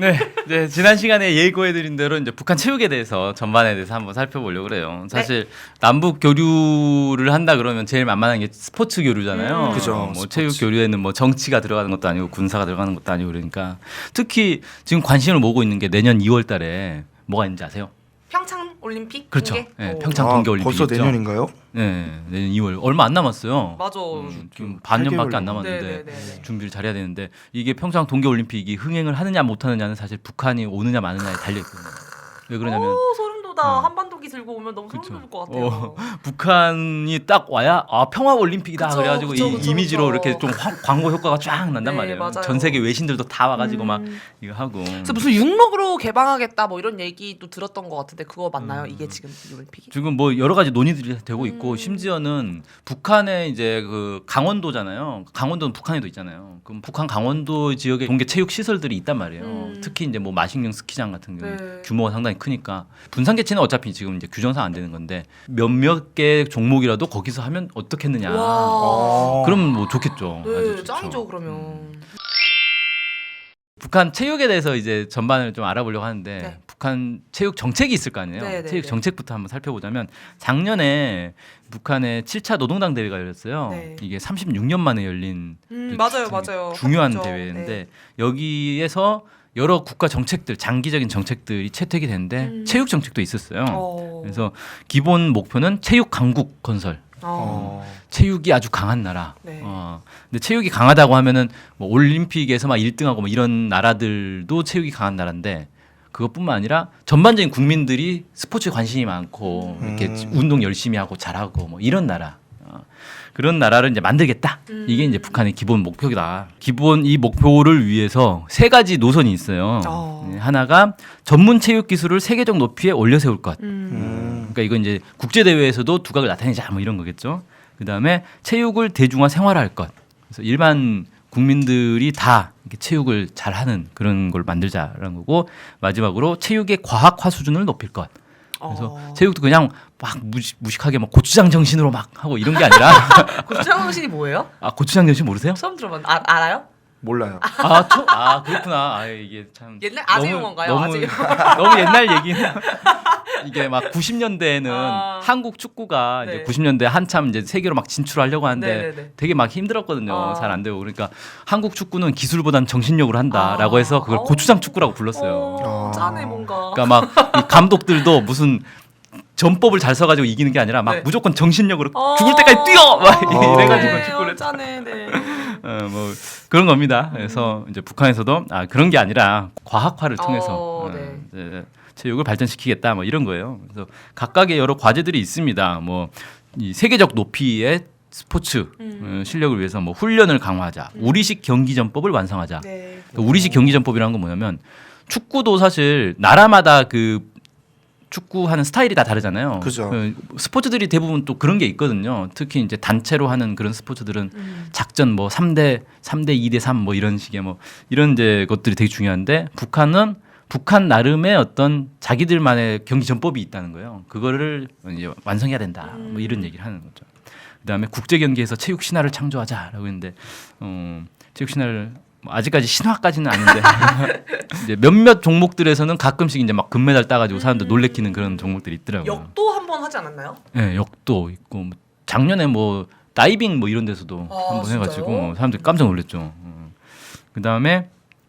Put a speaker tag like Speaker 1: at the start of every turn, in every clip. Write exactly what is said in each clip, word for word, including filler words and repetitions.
Speaker 1: 네, 이제 지난 시간에 예고해드린 대로 이제 북한 체육에 대해서 전반에 대해서 한번 살펴보려고 그래요. 사실 네. 남북 교류를 한다 그러면 제일 만만한 게 스포츠 교류잖아요.
Speaker 2: 음. 그죠.
Speaker 1: 뭐
Speaker 2: 스포츠.
Speaker 1: 체육 교류에는 뭐 정치가 들어가는 것도 아니고 군사가 들어가는 것도 아니고 그러니까 특히 지금 관심을 모으고 있는 게 내년 이월달에 뭐가 있는지 아세요?
Speaker 3: 평창 올림픽?
Speaker 1: 그렇죠.
Speaker 3: 동계?
Speaker 1: 네,
Speaker 3: 오.
Speaker 1: 평창
Speaker 2: 아,
Speaker 1: 동계 올림픽
Speaker 2: 벌써
Speaker 1: 있죠.
Speaker 2: 내년인가요?
Speaker 1: 네, 내년 이월 얼마 안 남았어요.
Speaker 3: 맞아.
Speaker 1: 음, 지금 반년밖에 안 남았는데
Speaker 3: 네네네.
Speaker 1: 준비를 잘해야 되는데 이게 평창 동계 올림픽이 흥행을 하느냐 못하느냐는 사실 북한이 오느냐 마느냐에 달려 있거든요. 왜 그러냐면
Speaker 3: 오, 소름 돋아.
Speaker 1: 어.
Speaker 3: 한반도기 들고 오면 너무
Speaker 1: 그쵸.
Speaker 3: 소름 돋을 것 같아요.
Speaker 1: 어, 북한이 딱 와야 아 평화 올림픽이다
Speaker 3: 그쵸,
Speaker 1: 그래가지고
Speaker 3: 그쵸,
Speaker 1: 이
Speaker 3: 그쵸,
Speaker 1: 이미지로
Speaker 3: 그쵸.
Speaker 1: 이렇게 좀 확- 광고 효과가 쫙 난단
Speaker 3: 네,
Speaker 1: 말이에요.
Speaker 3: 맞아요.
Speaker 1: 전 세계 외신들도 다 와가지고
Speaker 3: 음.
Speaker 1: 막 이거 하고.
Speaker 3: 그래서 무슨 육록으로 개방하겠다 뭐 이런 얘기도 들었던 것 같은데 그거 맞나요?
Speaker 1: 음.
Speaker 3: 이게 지금 이 올림픽이?
Speaker 1: 지금 뭐 여러 가지 논의들이 되고 있고
Speaker 3: 음.
Speaker 1: 심지어는 북한의 이제 그 강원도잖아요. 강원도는 북한에도 있잖아요. 그럼 북한 강원도 지역에 동계 체육 시설들이 있단 말이에요.
Speaker 3: 음.
Speaker 1: 특히 이제 뭐 마식령 스키장 같은 경우
Speaker 3: 네.
Speaker 1: 규모가 상당히 크니까 분산 개체는 어차피 지금 이제 규정상 안 되는 건데 몇몇 개 종목이라도 거기서 하면 어떻겠느냐.
Speaker 3: 와.
Speaker 2: 어.
Speaker 1: 그럼 뭐 좋겠죠. 아주
Speaker 3: 네,
Speaker 1: 좋죠.
Speaker 3: 짱이죠 그러면.
Speaker 1: 음. 북한 체육에 대해서 이제 전반을 좀 알아보려고 하는데
Speaker 3: 네.
Speaker 1: 북한 체육 정책이 있을 거 아니에요.
Speaker 3: 네, 네,
Speaker 1: 체육
Speaker 3: 네.
Speaker 1: 정책부터 한번 살펴보자면 작년에 북한의 칠 차 노동당 대회가 열렸어요.
Speaker 3: 네.
Speaker 1: 이게 삼십육 년 만에 열린
Speaker 3: 음,
Speaker 1: 그
Speaker 3: 맞아요,
Speaker 1: 주-
Speaker 3: 맞아요.
Speaker 1: 중요한
Speaker 3: 하겠죠.
Speaker 1: 대회인데
Speaker 3: 네.
Speaker 1: 여기에서 여러 국가 정책들, 장기적인 정책들이 채택이 됐는데
Speaker 3: 음.
Speaker 1: 체육 정책도 있었어요.
Speaker 3: 어.
Speaker 1: 그래서 기본 목표는 체육 강국 건설.
Speaker 3: 어.
Speaker 2: 어.
Speaker 1: 체육이 아주 강한 나라.
Speaker 3: 네.
Speaker 1: 어. 근데 체육이 강하다고 하면은 뭐 올림픽에서 막 일 등하고 뭐 이런 나라들도 체육이 강한 나라인데 그것뿐만 아니라 전반적인 국민들이 스포츠에 관심이 많고
Speaker 2: 음.
Speaker 1: 이렇게 운동 열심히 하고 잘하고 뭐 이런 나라. 어. 그런 나라를 이제 만들겠다.
Speaker 3: 음.
Speaker 1: 이게 이제 북한의 기본 목표다. 기본 이 목표를 위해서 세 가지 노선이 있어요.
Speaker 3: 어.
Speaker 1: 네, 하나가 전문 체육 기술을 세계적 높이에 올려 세울 것.
Speaker 3: 음.
Speaker 2: 음.
Speaker 1: 그러니까 이건 이제 국제 대회에서도 두각을 나타내자 뭐 이런 거겠죠. 그다음에 체육을 대중화 생활화할 것. 그래서 일반 국민들이 다 이렇게 체육을 잘하는 그런 걸 만들자라는 거고 마지막으로 체육의 과학화 수준을 높일 것. 그래서
Speaker 3: 어.
Speaker 1: 체육도 그냥 막 무식, 무식하게 막 고추장 정신으로 막 하고 이런 게 아니라
Speaker 3: 고추장 정신이 뭐예요?
Speaker 1: 아 고추장 정신 모르세요?
Speaker 3: 처음 들어봤는데 아, 알아요?
Speaker 2: 몰라요.
Speaker 1: 아, 초, 아 그렇구나. 아 이게 참
Speaker 3: 옛날 아재
Speaker 1: 너무-
Speaker 3: 용어인가요?
Speaker 1: 너무
Speaker 3: 아재
Speaker 1: 너무 옛날 얘기는 이게 막 구십 년대에는
Speaker 3: 아.
Speaker 1: 한국 축구가
Speaker 3: 네.
Speaker 1: 이제 구십 년대 한참 이제 세계로 막 진출하려고 하는데
Speaker 3: 네네네.
Speaker 1: 되게 막 힘들었거든요.
Speaker 3: 아.
Speaker 1: 잘 안 되고 그러니까 한국 축구는 기술보다는 정신력으로 한다라고
Speaker 3: 아.
Speaker 1: 해서 그걸
Speaker 3: 어.
Speaker 1: 고추장 축구라고 불렀어요.
Speaker 3: 어,
Speaker 2: 아.
Speaker 3: 짠해 뭔가.
Speaker 1: 그러니까 막 이 감독들도 무슨 전법을 잘 써가지고 이기는 게 아니라 막
Speaker 3: 네.
Speaker 1: 무조건 정신력으로
Speaker 3: 어.
Speaker 1: 죽을 때까지 뛰어 막
Speaker 2: 어.
Speaker 1: 이래가지고
Speaker 3: 네,
Speaker 1: 축구를
Speaker 3: 어, 짠해. 네.
Speaker 1: 어, 뭐 그런 겁니다. 그래서 이제 북한에서도 아 그런 게 아니라 과학화를 통해서
Speaker 3: 어,
Speaker 1: 어,
Speaker 3: 네.
Speaker 1: 이제 체육을 발전시키겠다 뭐 이런 거예요. 그래서 각각의 여러 과제들이 있습니다. 뭐 이 세계적 높이의 스포츠
Speaker 3: 음.
Speaker 1: 어, 실력을 위해서 뭐 훈련을 강화하자, 우리식 경기전법을 완성하자.
Speaker 3: 네.
Speaker 1: 그 우리식 경기전법이라는 건 뭐냐면 축구도 사실 나라마다 그 축구하는 스타일이 다 다르잖아요.
Speaker 2: 그죠.
Speaker 1: 그 스포츠들이 대부분 또 그런 게 있거든요. 특히 이제 단체로 하는 그런 스포츠들은
Speaker 3: 음.
Speaker 1: 작전 뭐 삼 대 삼 대 이 대 삼 뭐 이런 식의 뭐 이런 이제 것들이 되게 중요한데 북한은 북한 나름의 어떤 자기들만의 경기 전법이 있다는 거예요. 그거를 이제 완성해야 된다. 뭐 이런 얘기를 하는 거죠. 그다음에 국제 경기에서 체육 신화를 창조하자라고 했는데 어, 체육 신화를 뭐 아직까지 신화까지는 아닌데 이제 몇몇 종목들에서는 가끔씩 이제 막 금메달 따가지고 사람들 놀래키는 그런 종목들이 있더라고요.
Speaker 3: 역도 한 번 하지 않았나요?
Speaker 1: 네, 역도 있고 뭐 작년에 뭐 다이빙 뭐 이런 데서도
Speaker 3: 아,
Speaker 1: 한번 해가지고
Speaker 3: 진짜요?
Speaker 1: 사람들이 깜짝 놀랐죠. 어. 그다음에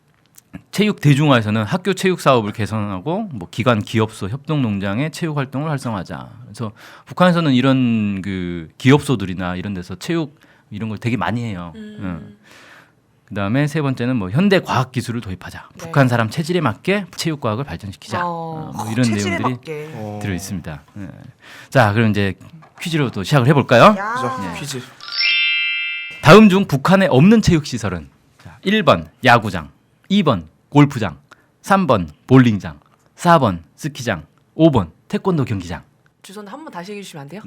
Speaker 1: 체육 대중화에서는 학교 체육 사업을 개선하고 뭐 기관 기업소 협동 농장의 체육 활동을 활성화하자. 그래서 북한에서는 이런 그 기업소들이나 이런 데서 체육 이런 걸 되게 많이 해요.
Speaker 3: 음.
Speaker 1: 응. 그다음에 세 번째는 뭐 현대 과학 기술을 도입하자.
Speaker 3: 네.
Speaker 1: 북한 사람 체질에 맞게 체육 과학을 발전시키자.
Speaker 3: 어,
Speaker 1: 어, 뭐
Speaker 3: 어,
Speaker 1: 이런
Speaker 3: 체질에
Speaker 1: 내용들이
Speaker 3: 맞게.
Speaker 2: 어.
Speaker 1: 들어 있습니다. 네. 자, 그럼 이제 퀴즈로 또 시작을 해볼까요?
Speaker 3: 야.
Speaker 2: 그죠.
Speaker 1: 네.
Speaker 2: 퀴즈.
Speaker 1: 다음 중 북한에 없는 체육 시설은 자, 일 번 야구장, 이 번 골프장, 삼 번 볼링장, 사 번 스키장, 오 번 태권도 경기장.
Speaker 3: 주소는 한 번 다시 얘기해 주시면 안 돼요?
Speaker 1: 네.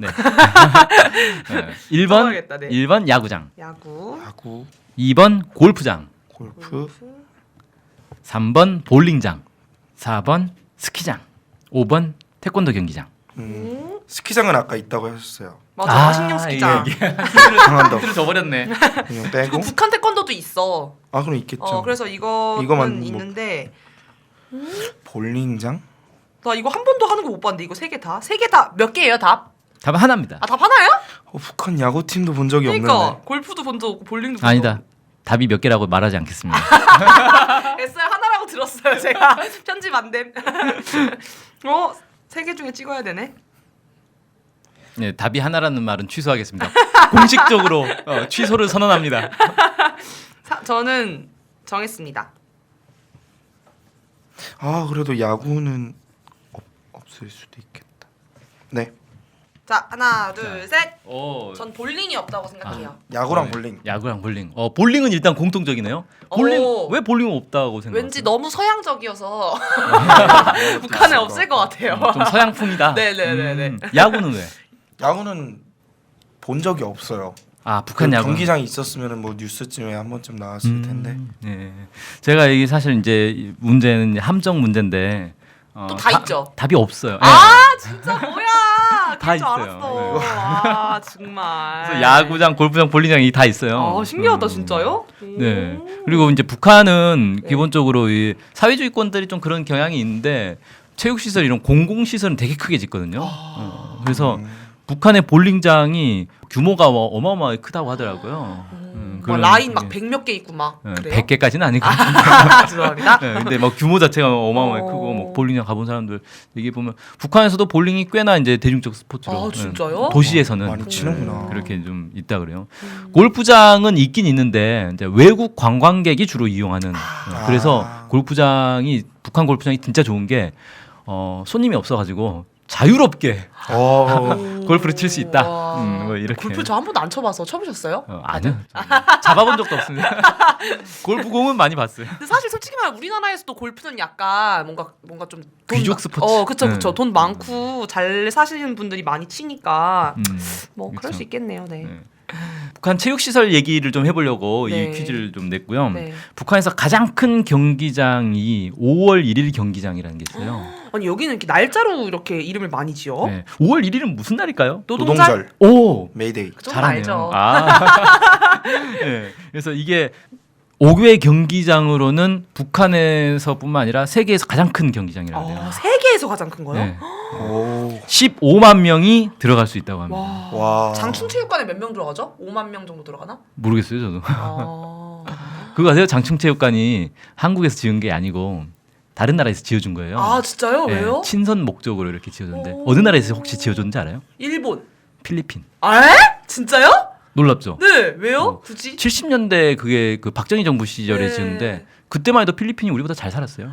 Speaker 1: 네. 일 번
Speaker 3: 써봐야겠다, 네.
Speaker 1: 일 번 야구장,
Speaker 3: 야구,
Speaker 2: 야구,
Speaker 1: 이 번 골프장,
Speaker 2: 골프,
Speaker 3: 골프,
Speaker 1: 삼 번 볼링장, 사 번 스키장, 오 번 태권도 경기장.
Speaker 2: 음.
Speaker 3: 음.
Speaker 2: 스키장은 아까 있다고 하셨어요.
Speaker 3: 맞아.
Speaker 1: 아,
Speaker 3: 신경 스키장.
Speaker 1: 이게- 이게
Speaker 2: 강한도
Speaker 1: 힌트를 줘버렸네.
Speaker 2: 그냥
Speaker 3: 그리고
Speaker 2: 빼고.
Speaker 3: 북한 태권도도 있어.
Speaker 2: 아 그럼 있겠죠.
Speaker 3: 어, 그래서 이거는
Speaker 2: 이거만 뭐-
Speaker 3: 있는데
Speaker 2: 볼링장?
Speaker 3: 나 이거 한 번도 하는 거 못 봤는데 이거 세 개 다? 세 개 다 몇 개예요 답?
Speaker 1: 답은 하나입니다.
Speaker 3: 아 답 하나요?
Speaker 2: 어, 북한 야구팀도 본 적이
Speaker 3: 그러니까
Speaker 2: 없는데.
Speaker 3: 골프도 본 적 없고 볼링도 본 적
Speaker 1: 아니다. 답이 몇 개라고 말하지 않겠습니다.
Speaker 3: 없고 에스알 하나라고 들었어요 제가 편집 안 됨. 어? 세 개 중에 찍어야 되네.
Speaker 1: 네, 답이 하나라는 말은 취소하겠습니다. 공식적으로 어, 취소를 선언합니다.
Speaker 3: 사, 저는 정했습니다.
Speaker 2: 아 그래도 야구는 없, 없을 수도 있겠다. 네.
Speaker 3: 자 하나 둘 셋.
Speaker 1: 오,
Speaker 3: 전 볼링이 없다고 생각해요.
Speaker 2: 야구랑
Speaker 1: 네,
Speaker 2: 볼링.
Speaker 1: 야구랑 볼링. 어, 볼링은 일단 공통적이네요. 볼링
Speaker 3: 오.
Speaker 1: 왜 볼링은 없다고 생각하세요?
Speaker 3: 왠지 너무 서양적이어서 북한에 없을 것 같아요.
Speaker 1: 음, 좀 서양풍이다.
Speaker 3: 네네네네.
Speaker 1: 음, 야구는 왜?
Speaker 2: 야구는 본 적이 없어요.
Speaker 1: 아 북한
Speaker 2: 그
Speaker 1: 야구
Speaker 2: 경기장이 있었으면 뭐 뉴스쯤에 한 번쯤 나왔을 텐데.
Speaker 1: 네. 제가 이게 사실 이제 이 문제는 이제 함정 문제인데 어,
Speaker 3: 또 다 있죠?
Speaker 1: 답이 없어요. 네.
Speaker 3: 아 진짜 뭐야?
Speaker 1: 다
Speaker 3: 그럴 줄
Speaker 1: 있어요.
Speaker 3: 알았어.
Speaker 1: 네.
Speaker 3: 아 정말.
Speaker 1: 그래서 야구장, 골프장, 볼링장이 다 있어요.
Speaker 3: 아 신기하다
Speaker 1: 음.
Speaker 3: 진짜요?
Speaker 1: 네.
Speaker 3: 오.
Speaker 1: 그리고 이제 북한은
Speaker 3: 네.
Speaker 1: 기본적으로 이 사회주의권들이 좀 그런 경향이 있는데 체육시설 이런 공공시설은 되게 크게 짓거든요. 어, 그래서
Speaker 2: 음.
Speaker 1: 북한의 볼링장이 규모가 뭐 어마어마하게 크다고 하더라고요. 음,
Speaker 3: 막
Speaker 1: 그런-
Speaker 3: 라인 막
Speaker 1: 예.
Speaker 3: 백 몇 개 있고 막
Speaker 1: 예,
Speaker 3: 그래요?
Speaker 1: 백 개까지는 아니고.
Speaker 3: 아, 죄송합니다.
Speaker 1: 네, 근데 막 규모 자체가 어마어마하게
Speaker 3: 어.
Speaker 1: 크고 뭐 볼링장 가본 사람들 얘기 보면 북한에서도 볼링이 꽤나 이제 대중적 스포츠로
Speaker 3: 아,
Speaker 1: 예,
Speaker 3: 진짜요?
Speaker 1: 도시에서는
Speaker 2: 많이 치는구나.
Speaker 1: 예, 그렇게 좀 있다 그래요. 골프장은 있긴 있는데 이제 외국 관광객이 주로 이용하는 예, 그래서
Speaker 2: 아.
Speaker 1: 골프장이 북한 골프장이 진짜 좋은 게 어, 손님이 없어가지고 자유롭게
Speaker 2: 어.
Speaker 1: 골프를 칠 수 있다.
Speaker 3: 와.
Speaker 1: 음, 뭐 이렇게.
Speaker 3: 골프 저 한 번도 안 쳐봐서 쳐보셨어요?
Speaker 1: 어, 아니요. 잡아본 적도 없습니다. 골프공은 많이 봤어요.
Speaker 3: 근데 사실 솔직히 말해 우리나라에서도 골프는 약간 뭔가 뭔가 좀 돈
Speaker 1: 귀족
Speaker 3: 많-
Speaker 1: 스포츠.
Speaker 3: 어, 그쵸,
Speaker 1: 네.
Speaker 3: 그쵸. 돈 많고 잘 사시는 분들이 많이 치니까
Speaker 1: 음,
Speaker 3: 뭐 그럴
Speaker 1: 그쵸.
Speaker 3: 수 있겠네요. 네.
Speaker 1: 네. 북한 체육시설 얘기를 좀 해보려고
Speaker 3: 네.
Speaker 1: 이 퀴즈를 좀 냈고요.
Speaker 3: 네.
Speaker 1: 북한에서 가장 큰 경기장이 오월 일일 경기장이라는 게 있어요.
Speaker 3: 아니 여기는 이렇게 날짜로 이렇게 이름을 많이 지어.
Speaker 1: 네. 오월 일일은 무슨 날일까요?
Speaker 3: 노동절.
Speaker 2: 노동절.
Speaker 1: 오,
Speaker 2: 메이데이.
Speaker 3: 좀
Speaker 1: 잘하네요.
Speaker 3: 알죠.
Speaker 1: 아. 네. 그래서 이게 오 개 경기장으로는 북한에서뿐만 아니라 세계에서 가장 큰 경기장이라고 해요.
Speaker 3: 아, 세계에서 가장 큰 거요?
Speaker 1: 네.
Speaker 2: 오.
Speaker 1: 십오만 명이 들어갈 수 있다고 합니다.
Speaker 3: 와.
Speaker 2: 와.
Speaker 3: 장충체육관에 몇 명 들어가죠? 오만 명 정도 들어가나?
Speaker 1: 모르겠어요, 저도.
Speaker 3: 아.
Speaker 1: 그거 아세요? 장충체육관이 한국에서 지은 게 아니고 다른 나라에서 지어준 거예요.
Speaker 3: 아 진짜요?
Speaker 1: 네,
Speaker 3: 왜요?
Speaker 1: 친선 목적으로 이렇게 지어줬는데
Speaker 3: 오.
Speaker 1: 어느 나라에서 혹시 지어줬는지 알아요?
Speaker 3: 일본.
Speaker 1: 필리핀.
Speaker 3: 아? 에? 진짜요?
Speaker 1: 놀랍죠?
Speaker 3: 네. 왜요?
Speaker 1: 어.
Speaker 3: 굳이?
Speaker 1: 칠십 년대 그게 그 박정희 정부 시절에
Speaker 3: 네.
Speaker 1: 지었는데 그때만 해도 필리핀이 우리보다 잘 살았어요.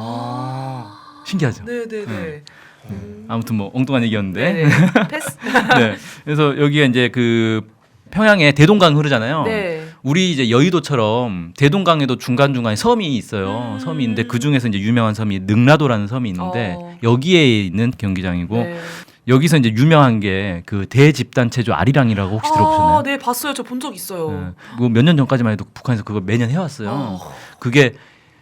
Speaker 2: 아.
Speaker 1: 신기하죠?
Speaker 3: 네네네.
Speaker 1: 네.
Speaker 3: 음.
Speaker 1: 아무튼 뭐 엉뚱한 얘기였는데.
Speaker 3: 네네. 패스.
Speaker 1: 네. 그래서 여기가 이제 그 평양에 대동강 흐르잖아요.
Speaker 3: 네.
Speaker 1: 우리 이제 여의도처럼 대동강에도 중간 중간에 섬이 있어요.
Speaker 3: 음.
Speaker 1: 섬이 있는데 그 중에서 이제 유명한 섬이 능라도라는 섬이 있는데
Speaker 3: 어.
Speaker 1: 여기에 있는 경기장이고
Speaker 3: 네.
Speaker 1: 여기서 이제 유명한 게 그 대집단체조 아리랑이라고 혹시 들어보셨나요?
Speaker 3: 아, 네 봤어요. 저 본 적 있어요.
Speaker 1: 네. 그거 몇 년 전까지만 해도 북한에서 그거 매년 해왔어요.
Speaker 3: 어.
Speaker 1: 그게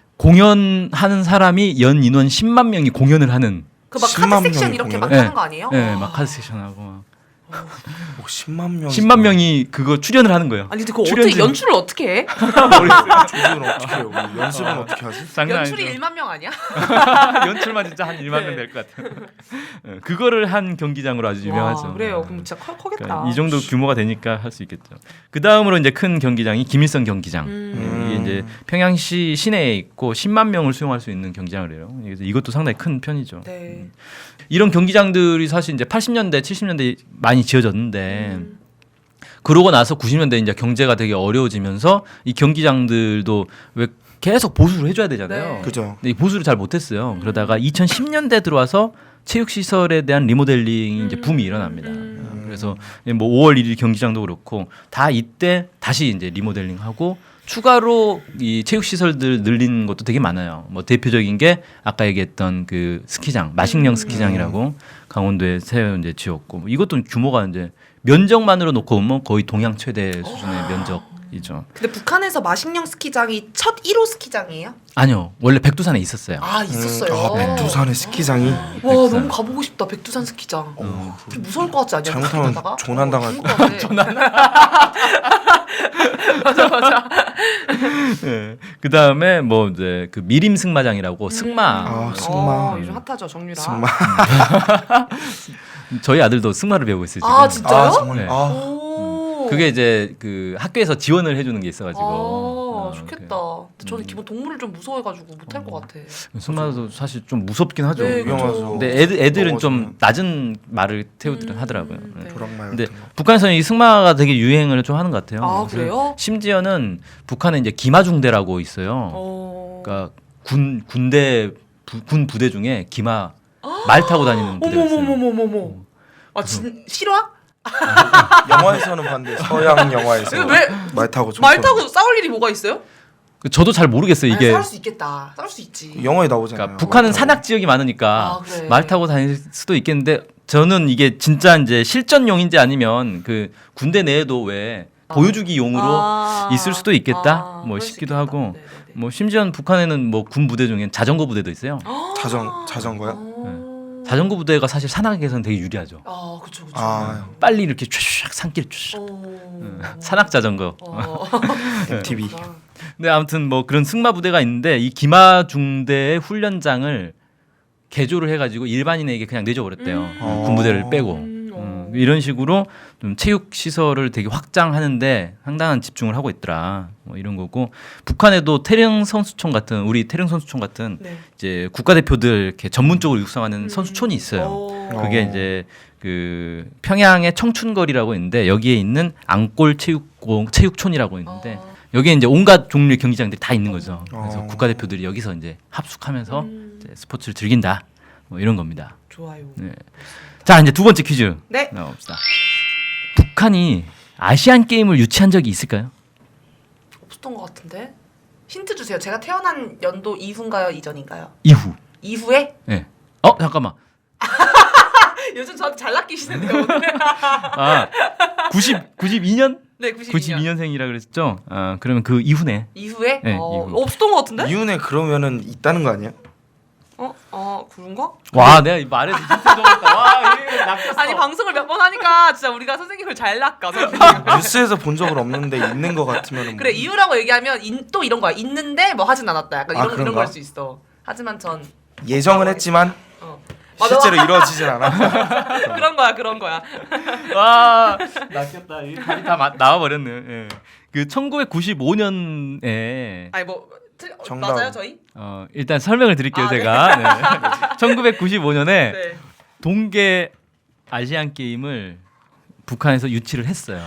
Speaker 1: 공연하는 사람이 연 인원 십만 명이 공연을 하는.
Speaker 3: 그 막
Speaker 2: 십만
Speaker 3: 카드 섹션
Speaker 2: 명이
Speaker 3: 이렇게 막
Speaker 1: 공연해?
Speaker 3: 하는 거 아니에요?
Speaker 1: 네,
Speaker 3: 아.
Speaker 1: 막 카드 세션하고 막
Speaker 2: 오, 십만 명.
Speaker 1: 십만 명이 그거 출연을 하는 거예요.
Speaker 3: 아니 근데 그거
Speaker 1: 출연진.
Speaker 3: 어떻게 연출을 어떻게 해?
Speaker 2: 조직은 어떻게 해요? 우리 연습은 어떻게 하지?
Speaker 1: 장난
Speaker 3: 연출이
Speaker 1: 아니죠.
Speaker 3: 일만 명 아니야?
Speaker 1: 연출만 진짜 한 일만 명
Speaker 3: 네.
Speaker 1: 될 것 같아요. 네, 그거를 한 경기장으로 아주 유명하죠.
Speaker 3: 와, 그래요.
Speaker 1: 네.
Speaker 3: 그럼 진짜 커, 커겠다.
Speaker 1: 그러니까 이 정도 규모가 되니까 할 수 있겠죠. 그 다음으로 이제 큰 경기장이 김일성 경기장.
Speaker 3: 음.
Speaker 1: 이게 이제 평양시 시내에 있고 십만 명을 수용할 수 있는 경기장을 해요. 그래서 이것도 상당히 큰 편이죠.
Speaker 3: 네.
Speaker 1: 이런 경기장들이 사실 이제 팔십 년대, 칠십 년대 많이 지어졌는데
Speaker 3: 음.
Speaker 1: 그러고 나서 구십 년대 이제 경제가 되게 어려워지면서 이 경기장들도 왜 계속 보수를 해줘야 되잖아요.
Speaker 3: 네.
Speaker 2: 그죠.
Speaker 1: 근데 이 보수를 잘 못했어요. 그러다가 이천십 년대 들어와서 체육시설에 대한 리모델링이 이제 붐이 일어납니다.
Speaker 3: 음.
Speaker 1: 그래서 뭐 오월 일일 경기장도 그렇고 다 이때 다시 이제 리모델링하고 추가로 이 체육시설들 늘린 것도 되게 많아요. 뭐 대표적인 게 아까 얘기했던 그 스키장, 마식령 스키장이라고 강원도에 새로 이제 지었고 뭐 이것도 규모가 이제 면적만으로 놓고 보면 거의 동양 최대 수준의 면적이죠.
Speaker 3: 근데 북한에서 마식령 스키장이 첫 일 호 스키장이에요?
Speaker 1: 아니요, 원래 백두산에 있었어요.
Speaker 3: 아 있었어요.
Speaker 2: 아, 백두산의 스키장이.
Speaker 3: 와
Speaker 1: 백두산.
Speaker 3: 너무 가보고 싶다 백두산 스키장.
Speaker 1: 어.
Speaker 3: 좀 무서울 것 같지 않냐?
Speaker 2: 잘못하면
Speaker 3: 가다가?
Speaker 2: 조난당할
Speaker 3: 어, 죽을 것 같아. 맞아 맞아.
Speaker 1: 네. 그 다음에 뭐 이제 그 미림 승마장이라고 승마.
Speaker 2: 아, 승마.
Speaker 3: 어, 요즘 핫하죠 정유라.
Speaker 2: 승마.
Speaker 1: 저희 아들도 승마를 배우고 있어요 지금.
Speaker 3: 아 진짜요?
Speaker 2: 아, 정말.
Speaker 1: 네.
Speaker 2: 아,
Speaker 3: 오.
Speaker 1: 그게 이제 그 학교에서 지원을 해주는 게 있어가지고.
Speaker 3: 아
Speaker 1: 어,
Speaker 3: 좋겠다. 저는 기본 동물을 좀 무서워해가지고 못할 것 같아.
Speaker 1: 그 승마도 사실 좀 무섭긴 하죠.
Speaker 3: 네,
Speaker 2: 위험하죠.
Speaker 1: 근데 애들 애들은 좀
Speaker 2: 넘어지면.
Speaker 1: 낮은 말을 태우들
Speaker 3: 음,
Speaker 1: 하더라고요. 네.
Speaker 3: 네.
Speaker 2: 벼락말
Speaker 1: 근데
Speaker 2: 같은 거.
Speaker 1: 북한에서는 이 승마가 되게 유행을 좀 하는 것 같아요.
Speaker 3: 아,
Speaker 1: 그래서
Speaker 3: 그래요?
Speaker 1: 심지어는 북한에 이제 기마중대라고 있어요.
Speaker 3: 어.
Speaker 1: 그러니까 군 군대 부, 군 부대 중에 기마 말 타고 다니는 부대가 있어요.
Speaker 3: 어머머머머머머. 아 진 실화?
Speaker 2: 영화에서는 봤는데 서양 영화에서
Speaker 3: 이거 왜
Speaker 2: 말 타고 총
Speaker 3: 말
Speaker 2: 쏘는
Speaker 3: 타고 싸울 일이 뭐가 있어요?
Speaker 1: 그 저도 잘 모르겠어요. 이게
Speaker 3: 싸울 수 있겠다. 싸울 수 있지.
Speaker 2: 거. 영화에 나오잖아요.
Speaker 1: 그러니까 북한은
Speaker 2: 말 타고.
Speaker 1: 산악 지역이 많으니까
Speaker 3: 아, 그래.
Speaker 1: 말 타고 다닐 수도 있겠는데 저는 이게 진짜 이제 실전용인지 아니면 그 군대 내에도 왜
Speaker 3: 아.
Speaker 1: 보여주기용으로
Speaker 3: 아.
Speaker 1: 있을 수도 있겠다.
Speaker 3: 아,
Speaker 1: 뭐
Speaker 3: 그럴 수
Speaker 1: 싶기도
Speaker 3: 있겠다.
Speaker 1: 하고
Speaker 3: 네네네.
Speaker 1: 뭐 심지어는 북한에는 뭐 군 부대 중에 자전거 부대도 있어요.
Speaker 2: 자전 자전거요?
Speaker 3: 어.
Speaker 1: 자전거 부대가 사실 산악에서는 되게 유리하죠.
Speaker 3: 아 그쵸 그쵸.
Speaker 2: 아,
Speaker 1: 빨리 이렇게 쫙 산길 쫙
Speaker 3: 어.
Speaker 1: 산악 자전거.
Speaker 3: 어.
Speaker 2: 엠티비.
Speaker 3: 그렇구나.
Speaker 1: 근데 아무튼 뭐 그런 승마 부대가 있는데 이 기마 중대의 훈련장을 개조를 해가지고 일반인에게 그냥 내줘버렸대요.
Speaker 3: 음.
Speaker 2: 어.
Speaker 1: 군부대를 빼고.
Speaker 3: 음, 어.
Speaker 1: 음, 이런 식으로 좀 체육 시설을 되게 확장하는데 상당한 집중을 하고 있더라. 뭐 이런 거고 북한에도 태릉 선수촌 같은 우리 태릉 선수촌 같은
Speaker 3: 네.
Speaker 1: 이제 국가대표들 이렇게 전문적으로 육성하는
Speaker 3: 음.
Speaker 1: 선수촌이 있어요.
Speaker 3: 어.
Speaker 1: 그게
Speaker 2: 어.
Speaker 1: 이제 그 평양의 청춘거리라고 있는데 여기에 있는 앙골 체육공 체육촌이라고 있는데
Speaker 3: 어.
Speaker 1: 여기에 이제 온갖 종류의 경기장들이 다 있는 거죠. 그래서
Speaker 2: 어.
Speaker 1: 국가대표들이 여기서 이제 합숙하면서
Speaker 3: 음.
Speaker 1: 이제 스포츠를 즐긴다. 뭐 이런 겁니다.
Speaker 3: 좋아요.
Speaker 1: 네. 자 이제 두 번째 퀴즈
Speaker 3: 네.
Speaker 1: 나옵시다. 북한이 아시안 게임을 유치한 적이 있을까요?
Speaker 3: 없었던 것 같은데. 힌트 주세요. 제가 태어난 연도 이후인가요, 이전인가요?
Speaker 1: 이후.
Speaker 3: 이후에?
Speaker 1: 네. 어 잠깐만.
Speaker 3: 요즘 저한테 잘 낚이시는데요 오늘.
Speaker 1: 아 구십 구십이 년?
Speaker 3: 네, 구십이 년.
Speaker 1: 구십이 년생이라 그랬죠? 아 그러면 그 이후네.
Speaker 3: 이후에?
Speaker 1: 네,
Speaker 3: 어,
Speaker 1: 이후.
Speaker 3: 없었던 것 같은데?
Speaker 2: 이윤에 그러면은 있다는 거 아니야?
Speaker 3: 어, 어, 그런가?
Speaker 1: 와 내가 이 말에 힌트 넣었다. 와 이거 낚였어.
Speaker 3: 아니 방송을 몇 번 하니까 진짜 우리가 선생님을 잘 낚아. 선생님.
Speaker 2: 뉴스에서 본 적은 없는데 있는 거 같으면은 뭐.
Speaker 3: 그래 이유라고 얘기하면 인, 또 이런 거야. 있는데 뭐 하진 않았다. 약간
Speaker 2: 아,
Speaker 3: 이런 이런
Speaker 2: 그런가?
Speaker 3: 걸 수 있어. 하지만 전
Speaker 2: 예정은 했지만
Speaker 3: 어. 맞아.
Speaker 2: 실제로 이루어지진 않아.
Speaker 3: 그런 거야, 그런 거야.
Speaker 1: 와 낚였다. 이 답이 다 마- 나와버렸네. 예. 그 천구백구십오 년에
Speaker 3: 아니 뭐 틀, 어,
Speaker 2: 정답.
Speaker 3: 맞아요, 저희?
Speaker 1: 어, 일단 설명을 드릴게요
Speaker 3: 아, 네.
Speaker 1: 제가. 네. 천구백구십오 년에
Speaker 3: 네.
Speaker 1: 동계 아시안 게임을 북한에서 유치를 했어요.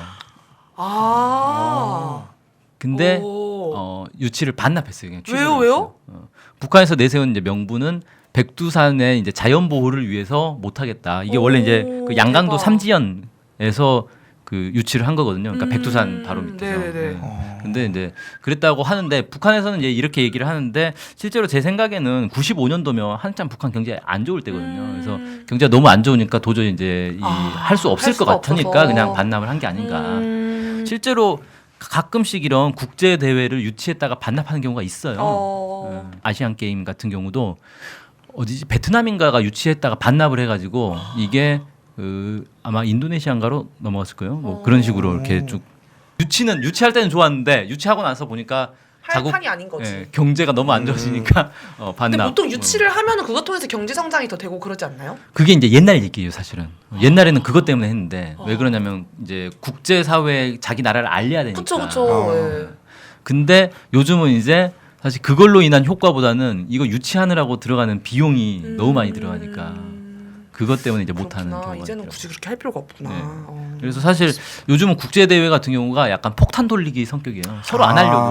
Speaker 3: 아.
Speaker 1: 근데
Speaker 3: 오.
Speaker 1: 어, 유치를 반납했어요. 그냥
Speaker 3: 왜요,
Speaker 1: 취소를
Speaker 3: 왜요?
Speaker 1: 했어요. 어, 북한에서 내세운 이제 명분은 백두산의 이제 자연 보호를 위해서 못하겠다. 이게 원래 이제
Speaker 3: 오,
Speaker 1: 그 양강도
Speaker 3: 대박.
Speaker 1: 삼지연에서 그 유치를 한 거거든요. 그러니까
Speaker 3: 음,
Speaker 1: 백두산 바로 밑에서.
Speaker 3: 네네네.
Speaker 1: 네.
Speaker 2: 어.
Speaker 1: 근데 이제 그랬다고 하는데 북한에서는 이제 이렇게 얘기를 하는데 실제로 제 생각에는 구십오 년도면 한참 북한 경제 안 좋을 때거든요.
Speaker 3: 음.
Speaker 1: 그래서 경제가 너무 안 좋으니까 도저히 이제
Speaker 3: 아,
Speaker 1: 할 수 없을
Speaker 3: 할
Speaker 1: 것
Speaker 3: 수가
Speaker 1: 같으니까
Speaker 3: 없어서.
Speaker 1: 그냥 반납을 한 게 아닌가.
Speaker 3: 음.
Speaker 1: 실제로 가끔씩 이런 국제 대회를 유치했다가 반납하는 경우가 있어요.
Speaker 3: 어.
Speaker 1: 음, 아시안 게임 같은 경우도 어디지 베트남인가가 유치했다가 반납을 해가지고 이게 그 아마 인도네시아인가로 넘어갔을 거예요. 뭐
Speaker 3: 어.
Speaker 1: 그런 식으로 이렇게 쭉 유치는 유치할 때는 좋았는데 유치하고 나서 보니까
Speaker 3: 할
Speaker 1: 자국
Speaker 3: 판이 아닌 거지.
Speaker 1: 예, 경제가 너무 안 좋아지니까 어,
Speaker 3: 근데
Speaker 1: 반납.
Speaker 3: 보통 유치를 하면은 그것 통해서 경제 성장이 더 되고 그러지 않나요?
Speaker 1: 그게 이제 옛날 얘기예요, 사실은. 옛날에는 그것 때문에 했는데
Speaker 3: 어.
Speaker 1: 왜 그러냐면 이제 국제 사회에 자기 나라를 알려야 되니까.
Speaker 3: 그쵸 그쵸.
Speaker 2: 어.
Speaker 3: 예.
Speaker 1: 근데 요즘은 이제 사실 그걸로 인한 효과보다는 이거 유치하느라고 들어가는 비용이
Speaker 3: 음.
Speaker 1: 너무 많이 들어가니까 그것 때문에 이제 못하는
Speaker 3: 그렇구나.
Speaker 1: 경우가
Speaker 3: 이제는
Speaker 1: 있죠.
Speaker 3: 굳이 그렇게 할 필요가 없구나.
Speaker 1: 네.
Speaker 3: 어.
Speaker 1: 그래서 사실 요즘은 국제 대회 같은 경우가 약간 폭탄 돌리기 성격이에요. 서로 안
Speaker 2: 아.
Speaker 1: 하려고.